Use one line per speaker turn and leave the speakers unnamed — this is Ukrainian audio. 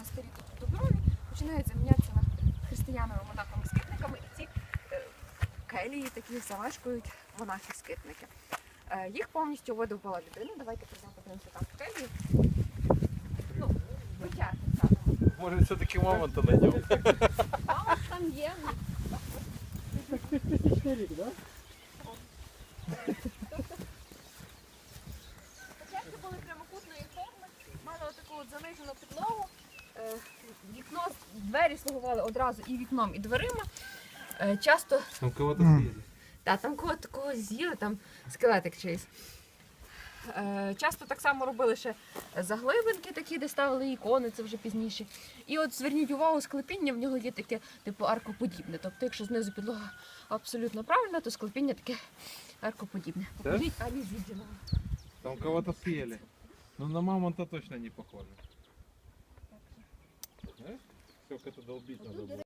монастирі тут доброві починають замінятися на християнами, монахами, скитниками, і ці келії такі заважкують монахи-скитники. Їх повністю видобула людина. Давайте прийдемо подивимося там в келії. Ну, витягти саме.
Може все-таки мамонта знайдемо.
Мамонт там є. Початки були прямокутної форми, мали отаку от занижену підлогу. Вікно, двері слугували одразу і вікном, і дверима. Часто
Там кого-то з'їли.
там когось з'їли, там скелетик чийсь. Часто так само робили ще заглибинки такі, де ставили ікони, це вже пізніше. І от зверніть увагу, склепіння в нього є таке типу аркоподібне. Тобто, якщо знизу підлога абсолютно правильна, то склепіння таке аркоподібне. Покажіть Алі Зіджина.
Там кого-то съели. Ну на мамонта точно не похоже. Знаешь, сколько это долбить надо было.